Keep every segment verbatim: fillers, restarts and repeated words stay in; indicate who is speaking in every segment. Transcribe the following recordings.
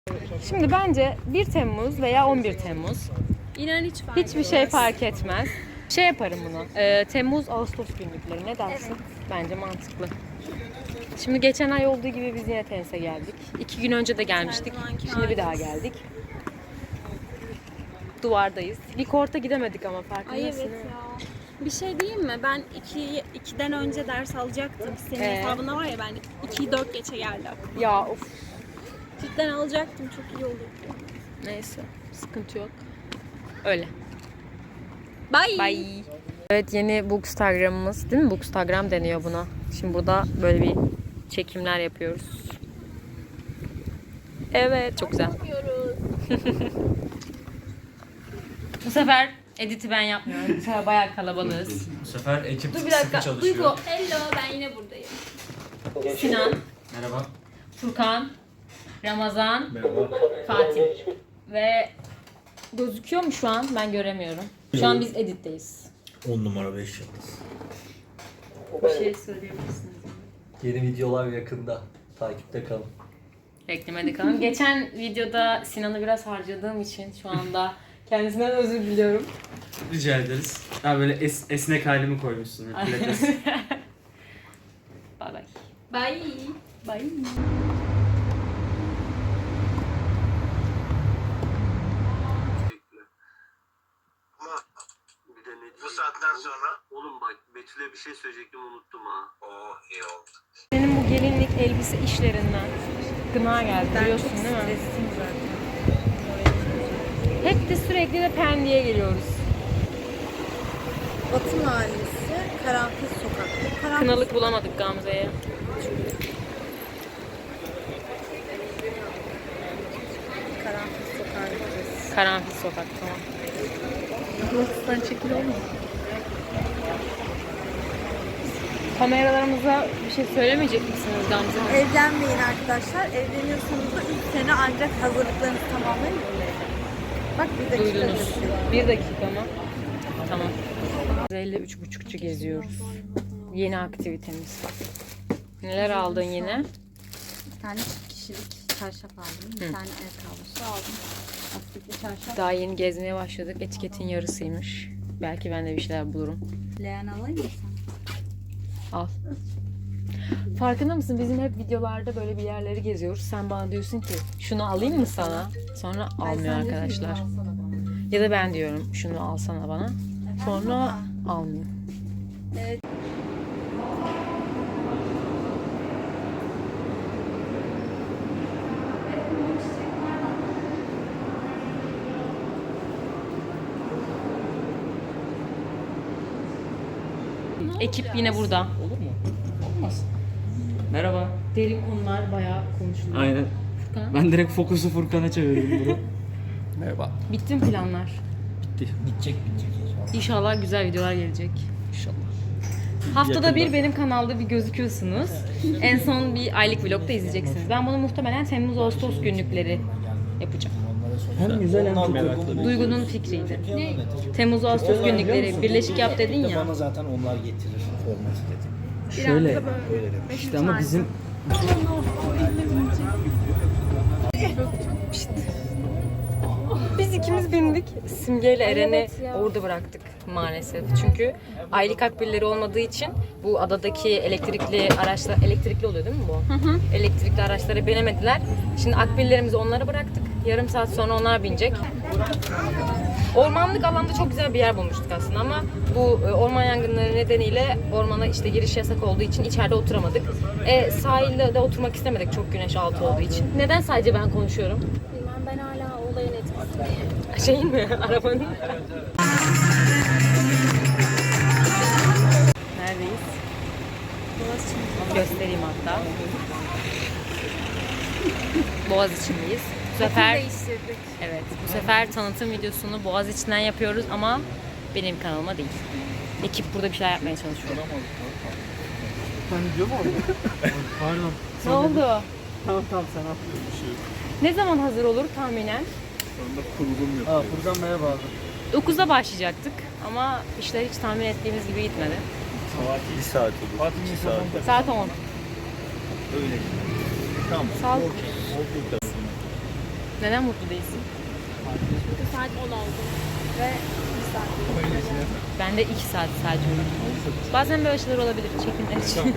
Speaker 1: Şimdi bence bir Temmuz veya on bir Temmuz.
Speaker 2: İnan hiç fark
Speaker 1: Hiçbir şey fark etmez. Şey yaparım bunu. E, Temmuz Ağustos günlükleri ne dersin?
Speaker 2: Evet.
Speaker 1: Bence mantıklı. Şimdi geçen ay olduğu gibi biz yine tenise geldik. İki gün önce de gelmiştik. Şimdi bir daha geldik. Duvardayız. Bir korta gidemedik ama farkındasın.
Speaker 2: Ay evet
Speaker 1: değil mi?
Speaker 2: ya. Bir şey diyeyim mi? Ben iki, ikiden önce ders alacaktım. Senin
Speaker 1: Ee?
Speaker 2: hesabında var ya, ben ikiyi dört geçe geldi aklıma.
Speaker 1: Ya of.
Speaker 2: Cidden alacaktım, çok iyi olurdu.
Speaker 1: Neyse. Sıkıntı yok. Öyle.
Speaker 2: Bye.
Speaker 1: Bye. Evet, yeni Bookstagram'ımız değil mi? Bookstagram deniyor buna. Şimdi burada böyle bir çekimler yapıyoruz. Evet, çok güzel.
Speaker 2: Yapıyoruz.
Speaker 1: Bu sefer editi ben yapmıyorum. Bu sefer bayağı kalabalığız.
Speaker 3: Bu sefer ekip
Speaker 1: Dur bir
Speaker 3: sıkı
Speaker 1: dakika.
Speaker 3: çalışıyor.
Speaker 1: Duygu,
Speaker 2: Hello, ben yine buradayım.
Speaker 1: Sinan,
Speaker 3: Merhaba.
Speaker 1: Furkan, Ramazan,
Speaker 3: Merhaba.
Speaker 1: Fatih. Ve gözüküyor mu şu an? Ben göremiyorum. Şu an biz editteyiz.
Speaker 4: on numara beş yıldız.
Speaker 1: Bir şey söyleyebilirsiniz.
Speaker 4: Yeni videolar yakında. Takipte kalın.
Speaker 1: Beklemede kalın. Geçen videoda Sinan'ı biraz harcadığım için şu anda kendisinden özür diliyorum.
Speaker 3: Rica ederiz. Ha böyle es, esnek halimi koymuşsun. Pilates.
Speaker 1: Bay bay.
Speaker 2: Bye.
Speaker 1: Bye.
Speaker 5: Bir de ne bu saatten sonra? Oğlum bak Betül'e bir şey söyleyecektim, unuttum ha. Oh iyi oldu.
Speaker 1: Benim bu gelinlik elbise işlerinden gına geldi, biliyorsun değil mi?
Speaker 2: zaten.
Speaker 1: Hep de sürekli de Pendik'e geliyoruz.
Speaker 6: Batı Mahallesi, Karanfil Sokak'ta. Karanfil
Speaker 1: Kınalık bulamadık Gamze'ye.
Speaker 6: Karanfil Sokak'a gideceğiz.
Speaker 1: Karanfil sokak, tamam.
Speaker 6: Burasından çekil olmuyor.
Speaker 1: Kameralarımıza bir şey söylemeyecek misiniz Gamze Hanım?
Speaker 6: Evlenmeyin arkadaşlar. Evleniyorsanız da üç sene ancak hazırlıklarınızı tamamlayın. öyle evlenin. Bak bir dakika.
Speaker 1: Duydunuz.
Speaker 6: ötesi.
Speaker 1: Bir dakika mı? Tamam. Gamze üç buçukçu geziyoruz. Yeni aktivitemiz. Neler aldın yine?
Speaker 6: Bir tane çift kişilik çarşaf aldım. Bir
Speaker 1: Hı.
Speaker 6: tane el kablosu aldım. Lastikli çarşaf.
Speaker 1: Daha yeni gezmeye başladık. Etiketin yarısıymış. Belki ben de bir şeyler bulurum.
Speaker 6: Leğen alayım mı sen?
Speaker 1: Al. Farkında mısın? Bizim hep videolarda böyle bir yerleri geziyoruz. Sen bana diyorsun ki şunu alayım mı sana? Sonra
Speaker 6: Ay,
Speaker 1: almıyor
Speaker 6: sen de
Speaker 1: arkadaşlar.
Speaker 6: filmi alsana bana.
Speaker 1: Ya da ben diyorum şunu alsana bana. Sonra
Speaker 6: Efendim baba?
Speaker 1: almıyor.
Speaker 6: Evet.
Speaker 1: Ekip yine burada.
Speaker 3: Olur mu? Olmaz. Merhaba.
Speaker 1: Derin konular bayağı konuşuluyor.
Speaker 3: Aynen.
Speaker 1: Furkan.
Speaker 3: Ben direkt fokusu Furkan'a çevirdim bunu. Merhaba.
Speaker 1: Bitti mi planlar?
Speaker 3: Bitti.
Speaker 4: Bitecek bitecek inşallah.
Speaker 1: İnşallah güzel videolar gelecek.
Speaker 3: İnşallah.
Speaker 1: Haftada
Speaker 3: Yakında.
Speaker 1: bir benim kanalda bir gözüküyorsunuz. En son bir aylık vlogda izleyeceksiniz. Ben bunu muhtemelen Temmuz-Ağustos günlükleri yapacağım.
Speaker 3: Hem güzel hem çok
Speaker 1: Duygu'nun fikriydi. Temmuz-Ağustos günlükleri birleşik yap dedin ya.
Speaker 4: Bana zaten onlar getirir. Format dedim.
Speaker 3: Şöyle.
Speaker 4: Öyle dedim.
Speaker 3: İşte ama bizim
Speaker 1: Biz ikimiz bindik. Simge ile Eren'i
Speaker 2: evet ya.
Speaker 1: orada bıraktık maalesef. Çünkü aylık akbilleri olmadığı için bu adadaki elektrikli araçlar, elektrikli oluyor değil mi bu? Hı hı. Elektrikli araçlara binemediler. Şimdi akbillerimizi onlara bıraktık. Yarım saat sonra onlar binecek. Ormanlık alanda çok güzel bir yer bulmuştuk aslında ama bu e, orman yangınları nedeniyle ormana işte giriş yasak olduğu için içeride oturamadık. E, sahilde de oturmak istemedik çok güneş altı olduğu için. Neden sadece ben konuşuyorum?
Speaker 2: Bilmem, ben hala olayın etkisindeyim.
Speaker 1: Şeyin mi? Arabanın. Neredeyiz? Göstereyim hatta. Boğaziçi'ndeyiz. Bu sefer
Speaker 2: Değiştirdik.
Speaker 1: evet, bu sefer tanıtım videosunu Boğaziçi'nden yapıyoruz ama benim kanalıma değil. Ekip burada bir şeyler yapmaya çalışıyor.
Speaker 3: ben video mu oldu? Pardon.
Speaker 1: Ne oldu?
Speaker 3: Tamam tamam sen yapıyorsun.
Speaker 1: Ne zaman hazır olur tahminen?
Speaker 3: Sonunda kurulum yapıyor. Aa Furkan merhaba abi.
Speaker 1: dokuzda başlayacaktık ama işler hiç tahmin ettiğimiz gibi gitmedi.
Speaker 4: Bir saat olur.
Speaker 3: Fatih
Speaker 4: iki
Speaker 3: mikrofonu
Speaker 4: saat.
Speaker 1: Saat on.
Speaker 4: Öyle. Tamam.
Speaker 1: Sağ ol.
Speaker 4: Okey. Okey.
Speaker 1: Neden mutlu değilsin?
Speaker 2: Çünkü saat on oldu. Ve bir saat.
Speaker 1: Ben de iki saat sadece uyudum. Bazen böyle şeyler olabilir. Çekinler için.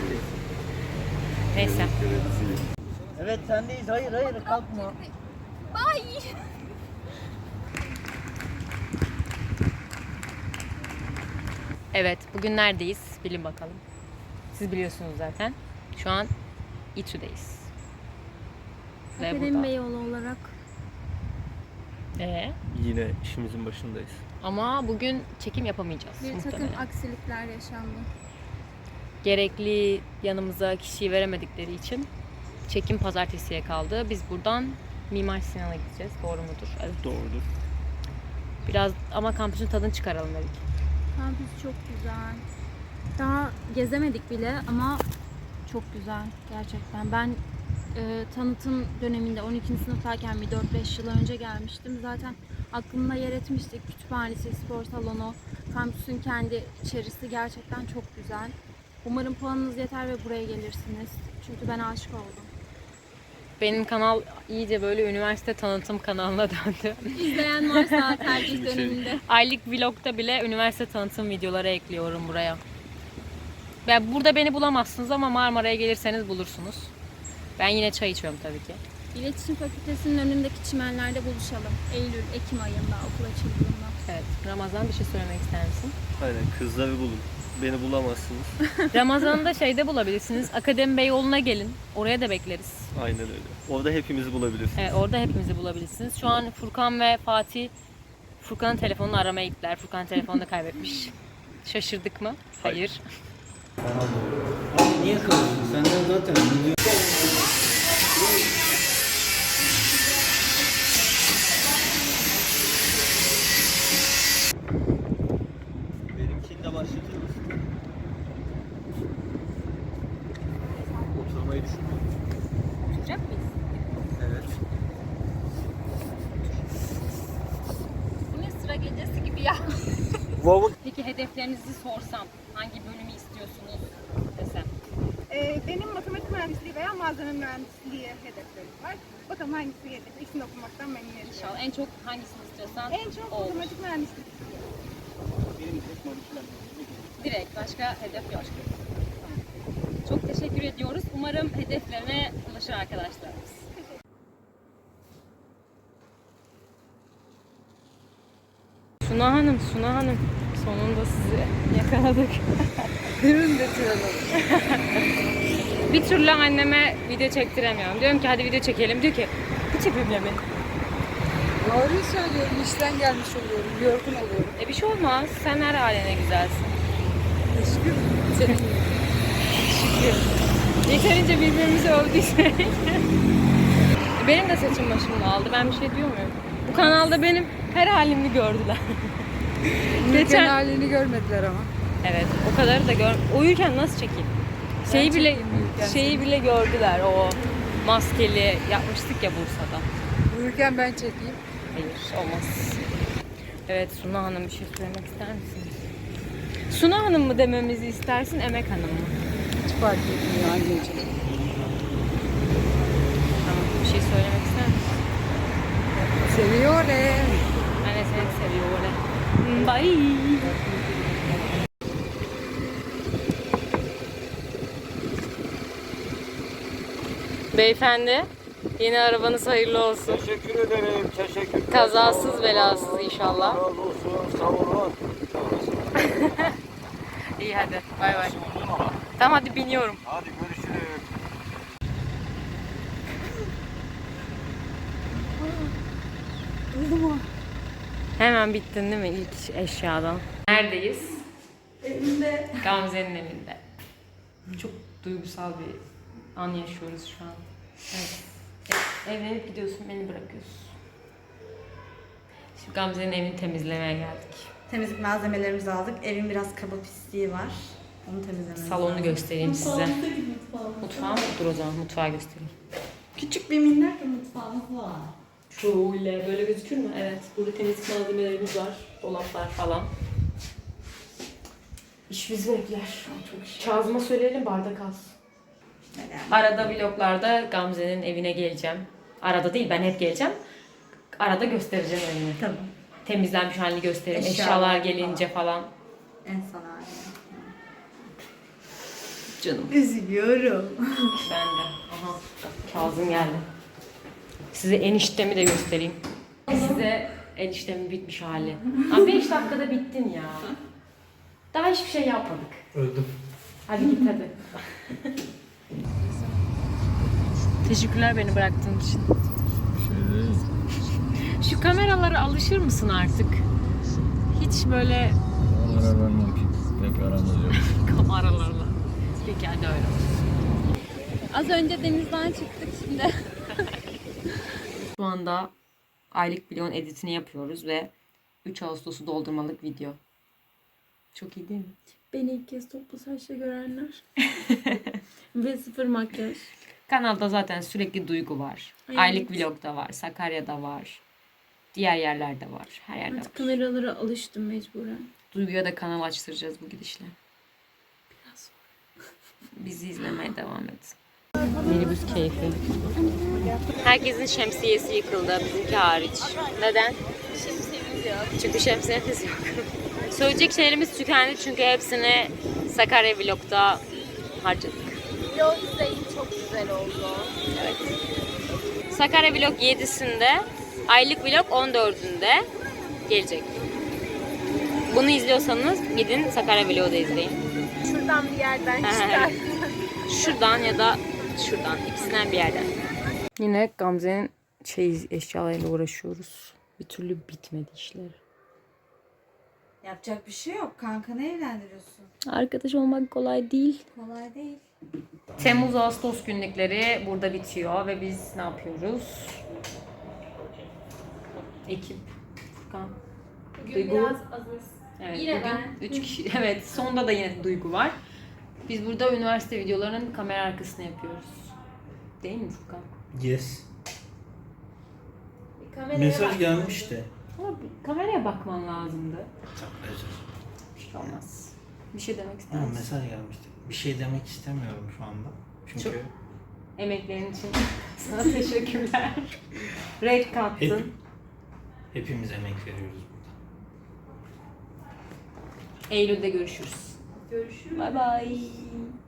Speaker 1: Neyse.
Speaker 4: Evet sendeyiz. Hayır hayır kalkma.
Speaker 1: Evet, bugün neredeyiz? Bilin bakalım. Siz biliyorsunuz zaten. Şu an İTÜ'deyiz. Ve
Speaker 2: Akademi
Speaker 1: burada.
Speaker 2: Beyoğlu olarak.
Speaker 1: Ee,
Speaker 4: Yine işimizin başındayız.
Speaker 1: ama bugün çekim yapamayacağız
Speaker 2: Bir takım
Speaker 1: muhtemelen.
Speaker 2: aksilikler yaşandı.
Speaker 1: Gerekli yanımıza kişiyi veremedikleri için çekim pazartesiye kaldı. Biz buradan Mimar Sinan'a gideceğiz. Doğru mudur? Evet.
Speaker 4: Doğrudur.
Speaker 1: Biraz ama kampüsün tadını çıkaralım dedik.
Speaker 2: Kampüs çok güzel. Daha gezemedik bile ama çok güzel gerçekten. Ben e, tanıtım döneminde on ikinci sınıftayken bir dört beş yıl önce gelmiştim. Zaten aklımda yer etmiştik. Kütüphanesi, spor salonu, kampüsün kendi içerisi gerçekten çok güzel. Umarım puanınız yeter ve buraya gelirsiniz. Çünkü ben aşık oldum.
Speaker 1: Benim kanal iyice böyle üniversite tanıtım kanalına döndü.
Speaker 2: İzleyen varsa tercih döneminde.
Speaker 1: Aylık vlogda bile üniversite tanıtım videoları ekliyorum buraya. Ya burada beni bulamazsınız ama Marmara'ya gelirseniz bulursunuz. Ben yine çay içiyorum tabii ki.
Speaker 2: İletişim Fakültesi'nin önündeki çimenlerde buluşalım. Eylül, Ekim ayında okul açıldığında.
Speaker 1: Evet. Ramazan bir şey söylemek ister misin?
Speaker 4: Aynen kızları bulun. Beni bulamazsınız.
Speaker 1: Ramazan'ı da şeyde bulabilirsiniz. Akademi Beyoğlu'na gelin. Oraya da bekleriz.
Speaker 4: Aynen öyle. Orada hepimizi bulabilirsiniz.
Speaker 1: Evet, orada hepimizi bulabilirsiniz. Şu an Furkan ve Fatih Furkan'ın telefonunu aramaya gittiler. Furkan telefonunu kaybetmiş. Şaşırdık mı? Hayır.
Speaker 7: Abi niye kalıyorsun? Senden zaten milyon...
Speaker 4: Benimkini de başlatır mısın? Oturmayı düşünüyorum.
Speaker 1: Oturacak mıyız?
Speaker 4: Evet.
Speaker 1: Bu ne sıra gecesi gibi ya.
Speaker 4: Wow.
Speaker 1: Peki hedeflerinizi sorsam hangi bölümü istiyorsunuz desem?
Speaker 6: Ee, benim matematik mühendisliği veya malzeme mühendisliği hedeflerim var. Bakalım hangisi gelirse ikisini okumaktan memnuniyet duyuyorum.
Speaker 1: İnşallah en çok hangisini istiyorsan
Speaker 6: En çok
Speaker 1: o olur.
Speaker 6: matematik mühendisliği istiyorum.
Speaker 1: Direkt başka hedef yok. Tamam. Çok teşekkür ediyoruz. Umarım hedeflerine ulaşır arkadaşlarımız. Suna Hanım, Suna Hanım. Sonunda sizi yakaladık.
Speaker 6: Ürün getirelim.
Speaker 1: Bir türlü anneme video çektiremiyorum. Diyorum ki hadi video çekelim. Diyor ki hiç yapayım beni.
Speaker 6: Doğruyu söylüyorum. İşten gelmiş oluyorum. Yorgun oluyorum.
Speaker 1: E bir şey olmaz. Sen her haline güzelsin.
Speaker 6: Teşekkür ederim.
Speaker 1: Şükür. Yeterince birbirimizi övdüysek. Benim de saçım başımda aldı. Ben bir şey diyor muyum? Bu kanalda benim her halimi gördüler.
Speaker 6: Geçen halini görmediler ama.
Speaker 1: Evet, o kadarı da gör. Uyurken nasıl çekeyim? Şeyi bile
Speaker 6: çekeyim uyurken
Speaker 1: şeyi bile gördüler. O maskeli yapmıştık ya Bursa'da.
Speaker 6: Uyurken ben çekeyim.
Speaker 1: Hayır, olmaz. Evet, Suna Hanım bir şey söylemek ister misiniz? Suna Hanım mı dememizi istersin, Emek Hanım mı?
Speaker 6: Hiç fark etmiyor anneciğim.
Speaker 1: Tamam, bir şey söylemek ister misin?
Speaker 6: Seviyor e.
Speaker 1: Ben de seni seviyorum. Bye. Beyefendi, yeni arabanız hayırlı olsun.
Speaker 7: Teşekkür ederim. Teşekkür.
Speaker 1: Kazasız belasız inşallah.
Speaker 7: Razı olsun. Sağ olun.
Speaker 1: İyi hadi, bay bay. Tamam hadi biniyorum.
Speaker 7: Hadi görüşürüz.
Speaker 1: Hemen bittin değil mi ilk eşyadan? Neredeyiz? Evimde. Gamze'nin evinde. Çok duygusal bir an yaşıyoruz şu an. Evet. E- Evlenip gidiyorsun, beni bırakıyorsun. Şimdi Gamze'nin evini temizlemeye geldik.
Speaker 8: Temizlik malzemelerimizi aldık. Evin biraz kaba pisliği var. Onu temizlememiz
Speaker 1: Salonu
Speaker 8: lazım.
Speaker 1: göstereyim size. Mutfağı mı? Dur o zaman mutfağı göstereyim.
Speaker 8: Küçük bir minnak bir mutfağımız var.
Speaker 1: Şöyle böyle gözükür mü? Evet. Burada temizlik malzemelerimiz var. Dolaplar falan. İş bizi bekler. Kazım'a söyleyelim bardak alsın.
Speaker 8: Yani
Speaker 1: Arada vloglarda Gamze'nin evine geleceğim. Arada değil, ben hep geleceğim. Arada göstereceğim evini.
Speaker 8: Tamam.
Speaker 1: Temizlenmiş halini göstereyim.
Speaker 8: Eşyalar
Speaker 1: Eşyalar gelince falan.
Speaker 8: En son hali.
Speaker 1: Canım.
Speaker 8: Üzülüyorum.
Speaker 1: Ben de. Aha. Kazım geldi. Size eniştemi de göstereyim. Size eniştemin bitmiş hali. Abi beş dakikada bittin ya. Daha hiçbir şey yapmadık.
Speaker 3: Öldüm.
Speaker 1: Hadi git hadi. Teşekkürler beni bıraktığın için. Şu kameralara alışır mısın artık? Hiç böyle
Speaker 7: Onlara vermem ki. Pek aramız yok.
Speaker 1: kameralarla. Peki hadi öyle.
Speaker 2: Az önce denizden çıktık şimdi.
Speaker 1: Şu anda aylık vlogun editini yapıyoruz ve üç Ağustos'u doldurmalık video. Çok iyi değil mi?
Speaker 2: Beni ilk kez toplu saçla görenler. Ve sıfır makyaj.
Speaker 1: Kanalda zaten sürekli Duygu var.
Speaker 2: Evet.
Speaker 1: Aylık vlogda var. Sakarya'da var. Diğer yerlerde var. Her yerde
Speaker 2: Artık
Speaker 1: var.
Speaker 2: kameralara alıştım mecburen.
Speaker 1: Duygu'ya da kanal açtıracağız bu gidişle.
Speaker 2: Biraz
Speaker 1: Bizi izlemeye devam et. Minibüs keyfi. Herkesin şemsiyesi yıkıldı. Bizimki hariç. Neden?
Speaker 2: şemsiyemiz yok.
Speaker 1: Çünkü şemsiyemiz yok. Söyleyecek şeylerimiz tükendi çünkü hepsini Sakarya vlogda harcadık.
Speaker 2: Vlog izleyin, çok güzel oldu.
Speaker 1: Evet. Sakarya vlog yedisinde, aylık vlog on dördünde gelecek. Bunu izliyorsanız gidin Sakarya vlogu da izleyin.
Speaker 2: Şuradan bir yerden çıkar.
Speaker 1: Şuradan ya da şuradan, ikisinden bir yerden. Yine Gamze'nin şey eşyalarıyla uğraşıyoruz. Bir türlü bitmedi işleri.
Speaker 8: Yapacak bir şey yok kanka, ne evlendiriyorsun?
Speaker 1: Arkadaş olmak kolay değil.
Speaker 8: Kolay değil.
Speaker 1: Temmuz-Ağustos günlükleri burada bitiyor ve biz ne yapıyoruz? Ekip, Furkan,
Speaker 2: Bugün
Speaker 1: Duygu.
Speaker 2: biraz azız.
Speaker 1: Evet,
Speaker 2: Yine
Speaker 1: bugün
Speaker 2: ben.
Speaker 1: üç kişi. Evet, sonda da yine Duygu var. Biz burada üniversite videolarının kamera arkasını yapıyoruz. Değil mi Furkan?
Speaker 3: Yes.
Speaker 2: Bir kameraya
Speaker 3: Mesaj
Speaker 2: bak.
Speaker 3: gelmişti.
Speaker 1: Ama bir kameraya bakman lazımdı.
Speaker 3: Çok özür.
Speaker 1: Bir şey olmaz. Bir şey demek ister
Speaker 3: Ha,
Speaker 1: misin?
Speaker 3: mesaj gelmişti. Bir şey demek istemiyorum şu anda. Çünkü
Speaker 1: Çok- Emeklerin için sana teşekkürler. Renk kattın.
Speaker 3: hep, hepimiz emek veriyoruz burada.
Speaker 1: Eylül'de görüşürüz.
Speaker 2: Görüşürüz.
Speaker 1: Bye bye.